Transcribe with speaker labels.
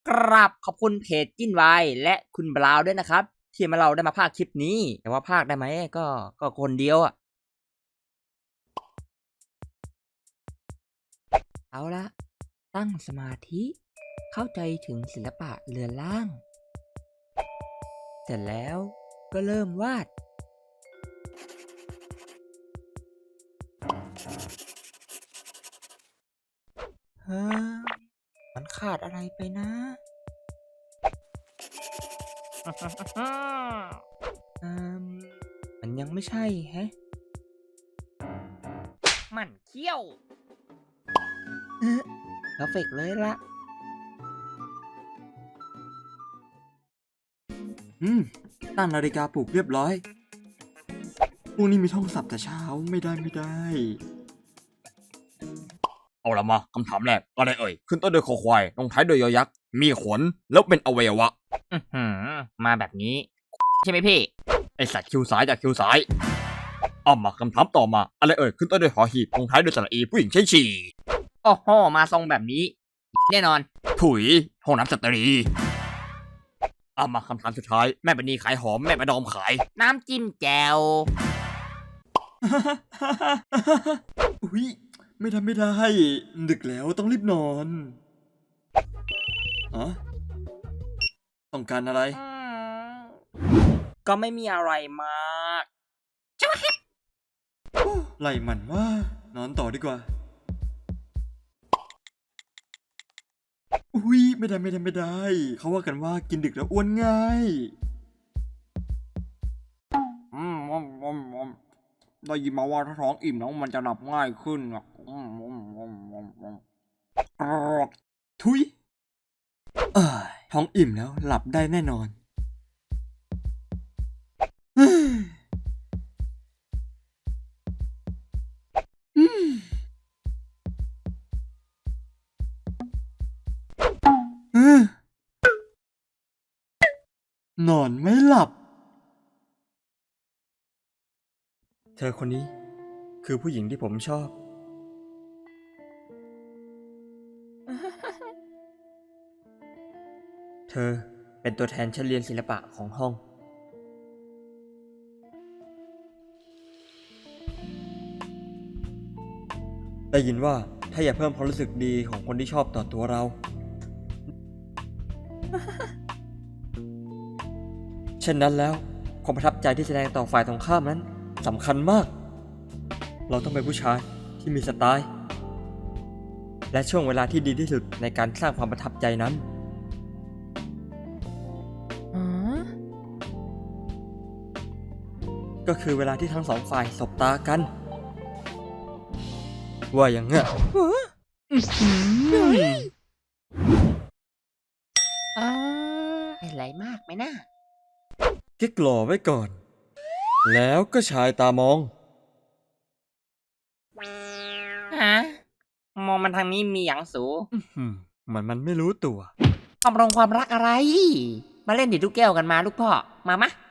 Speaker 1: กราบขอบคุณเพจจิ้นไวและคุณบราวน์ด้วยนะครับที่มาเราได้มาพากย์คลิปนี้แต่ว่าพากย์ได้ไหมก็คนเดียวเอาละตั้งสมาธิเข้าใจถึงศิลปะเรือนร่างเสร็จแล้วก็เริ่มวาดเฮ้ยมันขาดอะไรไปนะอืมมันยังไม่ใช่แฮะมันเขี้ยวเพอร์เฟกเลยละ
Speaker 2: ตั้งนาฬิกาปลุกเรียบร้อยพรุ่งนี้มีท่องศัพท์แต่เช้าไม่ได้
Speaker 3: เอาละมาคำถามแรกอะไรเอ่ยขึ้นต้นด้วยคอควายลงท้ายด้วยยอยักษ์มีขนแล้วเป็นอวัยวะ
Speaker 1: มาแบบนี้ใช่ไหมพี่
Speaker 3: ไอสัตว์คิ้วซ้ายจากคิ้วซ้ายเอามาคำถามต่อมาอะไรเอ่ยขึ้นต้นด้วยหอหีบลงท้ายด้วยสระอีผู้หญิงใช้ฉี่
Speaker 1: โอ้โหมาทรงแบบนี้แน่นอน
Speaker 3: ถุยห้องน้ำสตรีเอามาคำถามสุดท้ายแม่บันนีขายหอมแม่ประดอมขาย
Speaker 1: น้ำจิ้มแจ่ว
Speaker 2: อุ๊ยไม่ได้ดึกแล้วต้องรีบนอนอ๋อต้องการอะไร
Speaker 1: ก็ไม่มีอะไรมาก
Speaker 2: ไล่มันว่านอนต่อดีกว่าอุ๊ยไม่ได้เขาว่ากันว่ากินดึกแล้วอ้วนง่ายได้ยินมาว่าถ้าท้องอิ่มแล้วมันจะหลับง่ายขึ้นทุยท้องอิ่มแล้วหลับได้แน่นอนนอนไม่หลับ เธอคนนี้คือผู้หญิงที่ผมชอบ เธอเป็นตัวแทนชั้นเรียนศิลปะของห้อง ได้ยินว่าถ้าอยากเพิ่มความรู้สึกดีของคนที่ชอบต่อตัวเรา เช่นนั้นแล้วความประทับใจที่แสดงต่อฝ่ายตรงข้ามนั้นสำคัญมาก เราต้องเป็นผู้ชายที่มีสไตล์ และช่วงเวลาที่ดีที่สุดในการสร้างความประทับใจนั้น ก็คือเวลาที่ทั้งสองฝ่ายสบตากัน ว่าอย่างเงี้ย
Speaker 1: อะไรมากไหมนะ
Speaker 2: เก๊กหล่อไว้ก่อน แล้วก็ชายตามอง
Speaker 1: ฮะ มองมันทางนี้มีอย่างสู
Speaker 2: มันไม่รู้ตัว
Speaker 1: ความรักอะไร มาเล่นดิดลูกแก้วกันมาลูกพ่อ มามะ